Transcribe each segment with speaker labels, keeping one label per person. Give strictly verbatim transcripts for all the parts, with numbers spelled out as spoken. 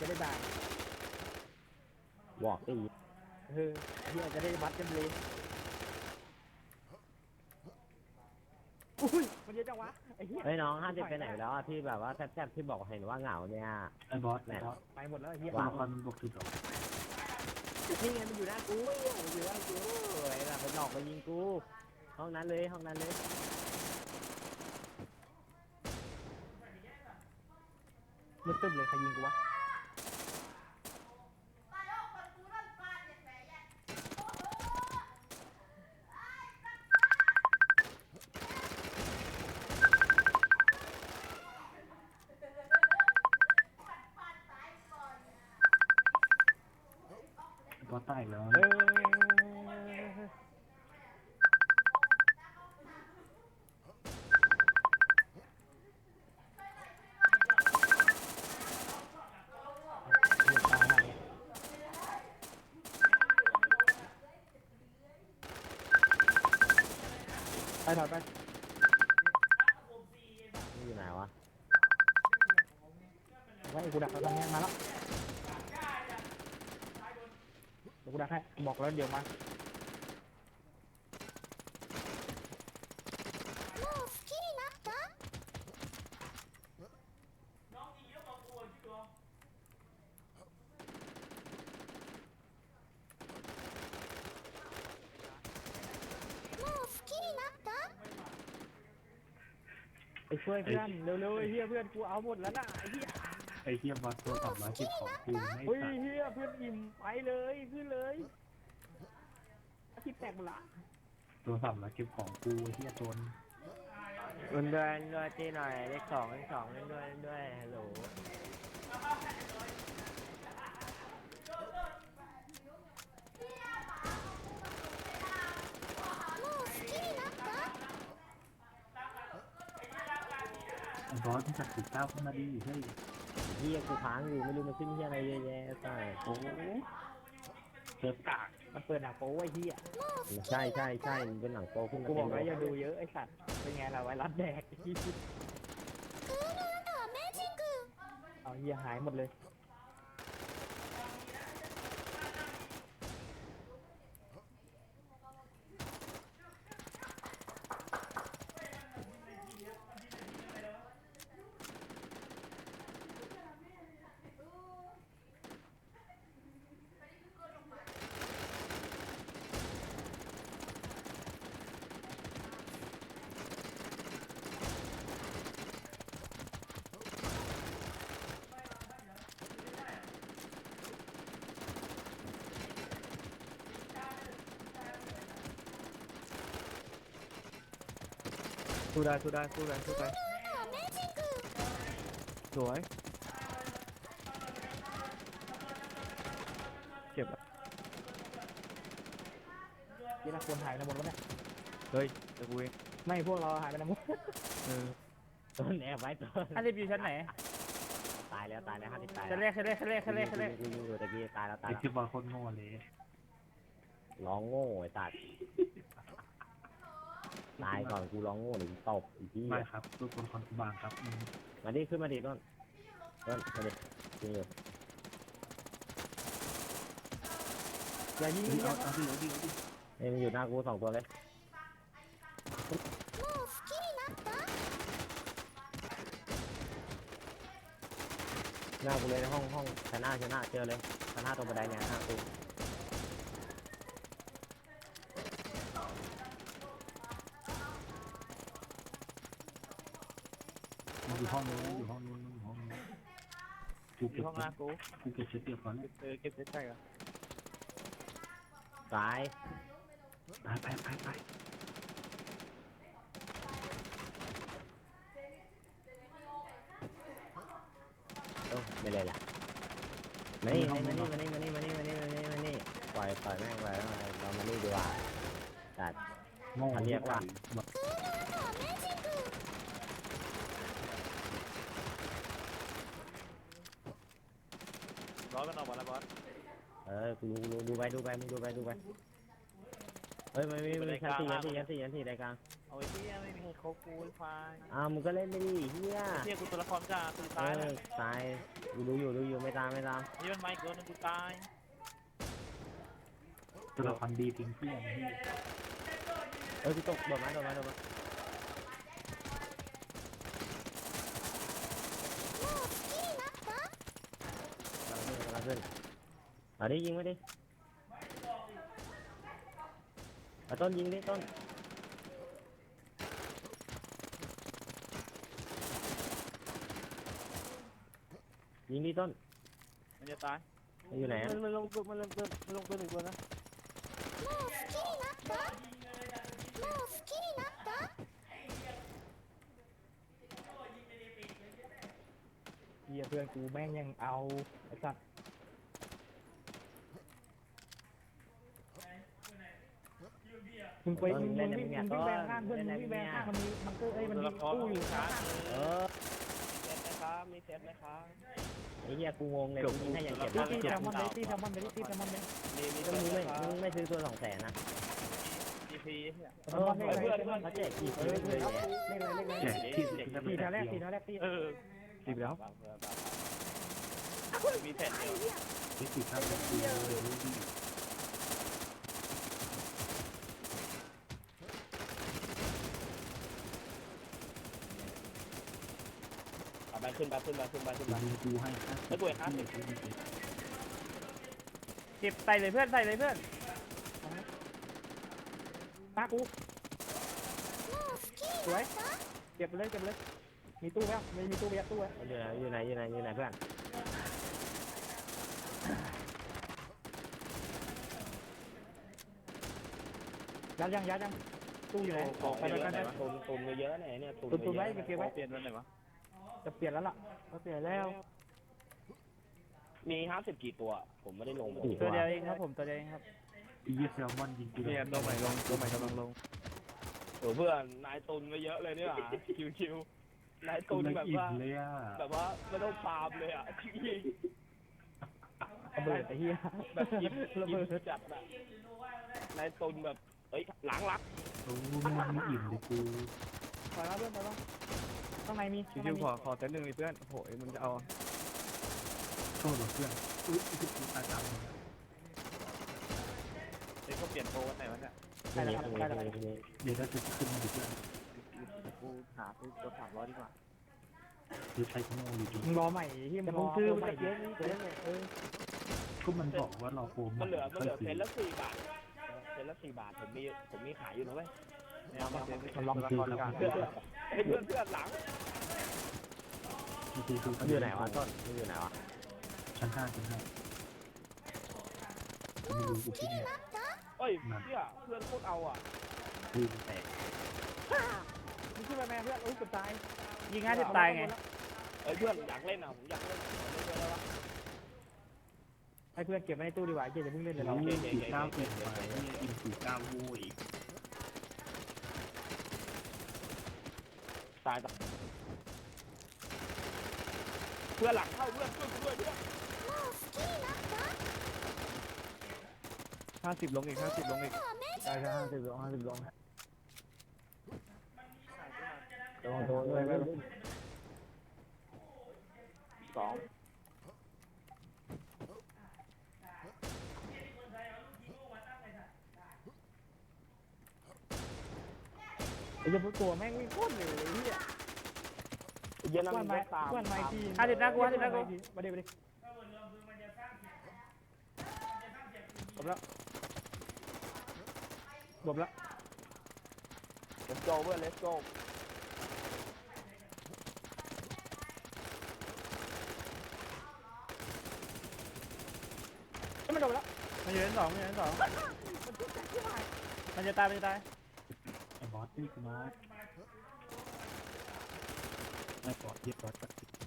Speaker 1: จะได้ด่า
Speaker 2: บอกตี
Speaker 1: เออเฮียจะได้มัดกันเลยอุ้ยมันเยอะจังวะไอ้เหี้ย
Speaker 2: เฮ้ยน้องห้าสิบไปไหนแล้วที่แบบว่าแซ่บๆที่บอกเห็นว่าเหงาเนี่ย
Speaker 3: ไอ้บอสไอ้บอส
Speaker 1: ไปหมดแล้วไอ้เหี้ย
Speaker 3: ตัวละครมันบวกสิบสอง
Speaker 2: นี่ไงมันอยู่หน้ากูมันอยู่หน้ากูไอ้แบบมันหลอกมายิงกูห้องนั้นเลยห้องนั้นเลย
Speaker 1: มันตึ้มเลยใครยิงกูวะ
Speaker 3: บอสตายแล้ว
Speaker 1: เออไปถอยไป
Speaker 2: นี่อยู่ไหนวะ
Speaker 1: ไว้กูดักแล้วตอนนี้มาแล้วเดี๋ยวกูดักให้บอกแล้วเดี๋ยวมาไปช่วยเพื่อนเร็วๆไอ้เหี้ยเพื่อนกูเอาหมดแล้วน่ะไอ้เหี้ย
Speaker 3: ไอ้เทียบอสตัวสามร้อยสิบของกูไม่
Speaker 1: เฮ้ย
Speaker 3: ตัด
Speaker 1: เหี้ยเพื่อนอิ่มไปเลยขึ้นเลยอาทิตย์แตกหมดละ
Speaker 3: ตัวสามร้อยสิบของกูเทียตน
Speaker 2: เล่นด้วยเล่นด้วยตีหน่อยเลขสองเลขสองเล่นด้วยเล่นด้วยฮัลโหล
Speaker 3: ไอ้บอสที่จัดสิบเก้าขึ้นมาดีเฮ้ย
Speaker 2: เฮียกูค้างอยู่ไม่รู้มันขึ้นเฮียอะไรเยอะแยะใช่
Speaker 3: โอ้เซิร์ฟกาก
Speaker 1: มันเปิดหนังโป๊ไอ้เหี้ย
Speaker 2: ใช่ใช่ใช่มันเป็นหนังโตขึ้นมา
Speaker 1: กูบอก
Speaker 2: เต็
Speaker 1: แล้ว
Speaker 2: ม
Speaker 1: อย่าดูเยอะไอ้สัตว์เป็นไงล่ะไวรัสแดกเอาเหี้ยหายหมดเลยสู้ได้สู้ได้สู้ได้สู้ไปสวยเก็บอ่ะยี่ละคนหายไปหมดแล้วเนี่ย
Speaker 4: เฮ้ยจะกูเอง
Speaker 1: ไม่พวกเราหายไปไหนหมด
Speaker 4: เออ
Speaker 2: ต้นแอบไว้ต้น
Speaker 4: ห้าสิบอยู่ชั้นไหน
Speaker 2: ตายแล้วตายแล้วห้าสิบตาย
Speaker 4: ชั้นแรกชั้นแรกชั้นแรกชั้นแรกชั้นแรก
Speaker 2: กูยิงอยู่ตะกี้ตายแล้วตาย
Speaker 3: ไอ้
Speaker 2: แล้ว
Speaker 3: เทียบอสโคตรโง่เลย
Speaker 2: ร้องโง่ไอ้ตัดตายก่อนกูร้องโง่หรือตบอีกที่
Speaker 3: ไม่ครับตัวคนคอนบางครับอืม
Speaker 2: มาดิขึ้นมาดิต้นต้นมาดิยิงอยู่
Speaker 1: อย่ายิง
Speaker 3: เฮ้ย
Speaker 1: เย
Speaker 3: เอา
Speaker 1: อะ
Speaker 3: เอาดิเอาดิเอาดิ
Speaker 2: เอ้ยมันอยู่หน้ากูสองตัวเลยหน้ากูเลยในห้องห้องชนะชนะเจอเลยชนะตรงบันไดเนี่ยหน้ากู
Speaker 3: มันอยู่ห้องนู้นอยู่ห้องนู้นมันอยู่ห้องนู้นกู
Speaker 1: อ
Speaker 3: เก็
Speaker 1: ยู่
Speaker 3: บ
Speaker 1: ห้องหน้ากู
Speaker 3: กูเก็บเช็ดเตียบก่อน
Speaker 1: เออเก็บเสร็จใช่เหรอ
Speaker 2: ตาย
Speaker 3: ไปไปไปไป
Speaker 2: เออไม่เลยล่ะมานี่มานี่มานี่มานี่มานี่มานี่มานี่มานี่ปล่อยปล่อยแม่งไปแล้วเรามานี่ดีกว่าตัด
Speaker 3: โง่
Speaker 2: เรียกว่า
Speaker 3: บอก
Speaker 4: ร้อยกันออกมาแล้วบอส
Speaker 2: เออกูรู้รู้ดูไปดูไปมึงดูไปดูไปเฮ้ยไม่ไม่ไม่ชั้นสี่ชั้นสี่ชั้นสี่ชั้นสี่รายกลาง
Speaker 4: เอาไอ้ที่ไม่มีใครเขากูไอ้ควาย
Speaker 2: อ้าวมึงก็เล่นไม่ดีเฮีย
Speaker 4: เที่ยกูตัวละครกากู
Speaker 2: เอ
Speaker 4: ตาย
Speaker 2: อ
Speaker 4: แล้ว
Speaker 2: ตายกูดูอยู่ดูอยู่ไม่ตามไม่ตาม
Speaker 4: นี่มันไม่เกินกูตาย
Speaker 3: ตัวละครดีทิ้งเพื่อนพี่
Speaker 2: เออกูตกโดดมาโดดมาโดดมากำลังขึ้นกำลังขึ้นเอาดิยิงไว้ดิเอาต้นยิงดิต้นยิงดิต้น
Speaker 4: มันจะตาย
Speaker 2: มันอยู่ไหนอะ
Speaker 1: มันลงตัวมันลงตัวมันลงตัวหนึ่งตัวนะเฮียเพื่อนกูแม่งยังเอาไอ้สัตว์มึงไปมึงมึงวิ่งมึงวิ่งแบงข้างเพื่อนมึงวิ่งแบงข้างมันมีมันก็เอ้ยมัน
Speaker 4: ตัว
Speaker 1: มี
Speaker 4: ละคร
Speaker 1: ตู้
Speaker 4: กู
Speaker 1: อยู่
Speaker 4: ช้า
Speaker 2: เออ
Speaker 1: เซ็ตไหมครับมีเซ็ตไหมครับ
Speaker 2: ไอ้เหี้ยกูงงเลยกูยิงให้อย่างเก็บ
Speaker 1: ตี
Speaker 2: แล้ว
Speaker 1: ตีแซลมอนเลยตีแซลมอนเลยตีแซลมอนเลยมีมี
Speaker 2: ก็มึงไม่มึงไม่ซื้อตัวสองแสนนะ
Speaker 4: จีพีเนี่ย
Speaker 2: เออเพื่อนเขาแจกกี่ซื้อเลยแหละ
Speaker 1: เล่นเลยเล่นเลย
Speaker 3: แจกที่
Speaker 1: ตีแถวแรกตีแถวแรกตี
Speaker 4: เออ
Speaker 3: สิบแล้ว
Speaker 4: มีแผ่นเดียว
Speaker 3: ที่สิบครับคือเลยพี่
Speaker 1: ไปขึ้นไปขึ้นไปขึ้นไปขึ้น
Speaker 3: กู
Speaker 1: ไป
Speaker 3: ยิงกูให้ครับ
Speaker 1: แล้วกูเองครับ
Speaker 4: เก็บใส่เลยเพื่อนใส่เลยเพื่อน
Speaker 1: ตากูสวยเก็บเลยเก็บเลยมีตู้ไหมไม่มีตู้ไปยัดตู้ไว้
Speaker 2: อยู่ไหนอยู่ไหนอยู่ไหนอยู่ไหนเพื่อน
Speaker 1: ยัดยังยัดยังตู้อยู่ไหนไปไปกัน
Speaker 5: ตุนตุนเยอะเนี่ยเนี่ยตุน
Speaker 1: ตุนตุนไว้เก็บไว้
Speaker 4: เปลี่ยนวันไหนวะ
Speaker 1: จะเปลี่ยนแล้วล่ะจะเปลี่ยนแล้ว
Speaker 5: มีห้าสิบกี่ตัว ผมไม่ได้ลง
Speaker 4: ตัวเดียวเองครับผมตัวเดียวเองครับ
Speaker 3: อียี่แซลมอนยิงกู
Speaker 4: เนี่ยตัวใหม่ลงตัวใหม่กำลังลง
Speaker 5: โอ้เพื่อนนายตุนมาเยอะเลยเนี่ยชิวชิวๆนาย
Speaker 3: ตุ
Speaker 5: ตุ
Speaker 3: น
Speaker 5: นแบบ
Speaker 3: อิ่ม
Speaker 5: ว่า
Speaker 3: เลยอ่ะ
Speaker 5: แบบว่าไม่ต้องฟาร์มเลยอ่ะจริง
Speaker 1: ระเบิดไอ้เหี้ย
Speaker 5: ๆแบบอิ่ม
Speaker 1: ระ
Speaker 5: อิ่
Speaker 1: เบิ
Speaker 5: ม
Speaker 1: ด
Speaker 5: จัดอะนายตุนแบบเอ้ยหลังรัก
Speaker 3: โอ้ไม่อิ่มเลยกู
Speaker 1: ปล่อยแล้วเพื่อนปล่อยแล้วข้างในมี
Speaker 4: ชิวๆขอขอเต้นหนึ่งเพื่อนโอ้ยมึงจะเอา
Speaker 3: โทษเพื่อนอุ้ยกูตายตาม
Speaker 4: เด็กก็เปลี่ยนโปรวันไหนวะเนี่ย
Speaker 2: ที่นี่ที่นี่ที่นี่ที่นี่
Speaker 3: เดี๋ยวเราจะขึ้นมาดิเพื่อน
Speaker 4: กูหาซื้อตัวสามร้อยดีกว่า
Speaker 3: เดี๋ยวใช้ขโมยอยู่ดี
Speaker 1: มึงรอใหม่ที่มึงซื้อมันจะเยอะนี่เยอะเลยเออ
Speaker 3: ก็มันบอกว่ารอโปร
Speaker 5: มันเหลือมันเหลือเพนละสี่บาทเพนละสี่บาทผมมีผมมีขายอยู่นะเว้ย
Speaker 4: แนวมาเซ็น
Speaker 1: มันล็อก
Speaker 3: คือแล้ว
Speaker 5: เพื่อนเฮ้ยเพื่อนเพื่อนหลัง
Speaker 3: คือคือ
Speaker 2: มันอยู่ไหนวะต้นมันอยู่ไหนวะ
Speaker 3: ชั้นห้าชั้นห้าไม่รู้กูที่เนี่ย
Speaker 5: เอ้ยเนี่ยเพื่อนโคตรเอาอ่ะ
Speaker 3: คือแตก
Speaker 1: มึงขึ้นไปแม่เพื่อนอุ้ยกดตาย
Speaker 4: ยิงห้าสิบตายไง
Speaker 5: เอ้ยเพื่อนอยากเล่นอ่ะผมอยากเล่นผมเล่นด้วยแล้ววะ
Speaker 1: ให้เพื่อนเก็บไว้ในตู้ดีกว่าเจ๊จะเพิ่งเล่นเดี๋ยวเรา
Speaker 3: เราสี่เก้าเกินไปเนี่ยอินสี่เก้าโว้ย
Speaker 5: ตายต่อเพื่อนหลังเข้าเพื่อนช่วยกูด้วยเพื่อน
Speaker 4: ห้าสิบลงอีกห้าสิบลงอีก
Speaker 1: ใช่ใช่ห้าสิบลงห้าสิบลง
Speaker 2: โดนโดนเลย
Speaker 5: สอง
Speaker 1: ไอ้เจ้าพวกตัวแม่งวิ่งโคตรเร็วเลยเฮีย
Speaker 5: เย็นแล้ว
Speaker 1: กว
Speaker 5: มัน น
Speaker 1: ไม้
Speaker 5: ไม่ตาม
Speaker 1: กวนไม้ที
Speaker 4: ห้าสิบนะกูห้าสิบนะกู
Speaker 1: มาเดี๋ยวมาเดี๋ยวจบแล้วจบแล้ว
Speaker 5: เลสโกเพื่อนเลสโก
Speaker 1: ไม่จบแล้ว
Speaker 4: มันอยู่ในสองมันอยู่ในสองมันจะตายมันจะตาย
Speaker 3: ไอ้บอสนี่กูมาไอ้บอสเย็บบอส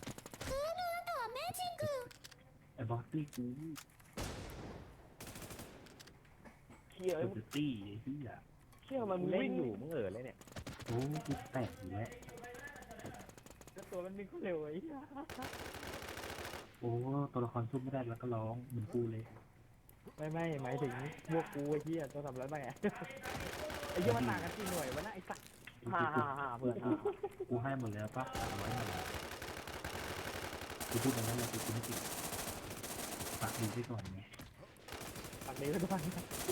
Speaker 3: ไอ้บอสนี่กู
Speaker 5: เชี่ย
Speaker 3: เออตี้ไอ้ที่อ่ะ
Speaker 5: เชี่ยมัน
Speaker 2: มึงเล่
Speaker 5: วิ่
Speaker 2: น
Speaker 5: ง
Speaker 2: อยู่มึงเออเลยเนี่ย
Speaker 3: โอ้กูแตกอยู่แล้ว
Speaker 1: ตัวมันวิ่งโคตรเร็วไอ้เหี้ย
Speaker 3: โอ้ตัวละครสู้ไม่ได้แล้วก็ร้องเหมือนกูเลย
Speaker 1: ไม่ไม่หมายถึงพวกกูไอ้เหี้ยตัวทำร้ายไปไงไอ้เหี้ยมันต่างกันกี่หน่วยวะนะไอ้สัตว์
Speaker 5: ห้าห้าห้าเพื่อนห้า
Speaker 3: กูให้หมดแล้วปะเอาไว้หมดแล้วกูพูดอย่างนั้นเลยกูไม่ติดปากดีไปก่อนไง
Speaker 1: ปากดีก็ด้วย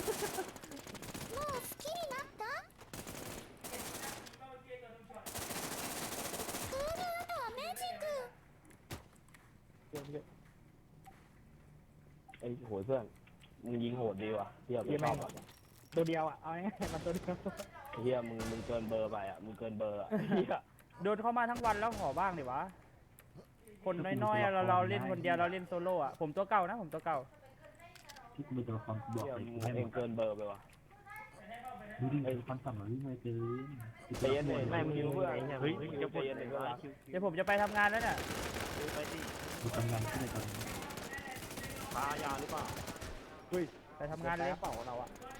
Speaker 5: ไอ้โหเพื่อนมึงยิงโหดดีว่ะเฮียไม่ชอบอ่ะ
Speaker 1: ตัวเดียวอ่ะเอาง่ายๆมันตัวเดียว
Speaker 5: เฮียมึงมึงเกินเบอร์ไปอ่ะมึงเกินเบอร์อ่ะเฮีย
Speaker 4: โดนเข้ามาทั้งวันแล้วขอบ้างดิวะคนน้อยๆอะเราเราเล่นคนเดียวเราเล่นโซโล่อะผมตัวเก่านะผมตัวเก่า
Speaker 3: ที่กูเป็นตัวละครบอก
Speaker 5: เฮีย
Speaker 3: เลย
Speaker 5: มึ
Speaker 3: กู
Speaker 5: ง
Speaker 3: ให้ห
Speaker 5: เอ
Speaker 3: ม
Speaker 5: ง
Speaker 3: ด
Speaker 5: เกินเบอร์ไปว่ะ
Speaker 3: ดูดิตัวละครต่ำหน่อยวิ่งมาเกิน
Speaker 5: เตียนเลยแม่มึงยิงเพื่อนเฮ้ยจะเตียนเลยก็
Speaker 4: เดี๋ยวผมจะไปทำงานแล้วเนี่ย
Speaker 5: ไปดิ
Speaker 3: กูกำลังขึ้นเลยตอนนี้
Speaker 5: พายาหรือเปล่า
Speaker 4: ไปทำงานเลย
Speaker 1: เป่าเราอ่ะ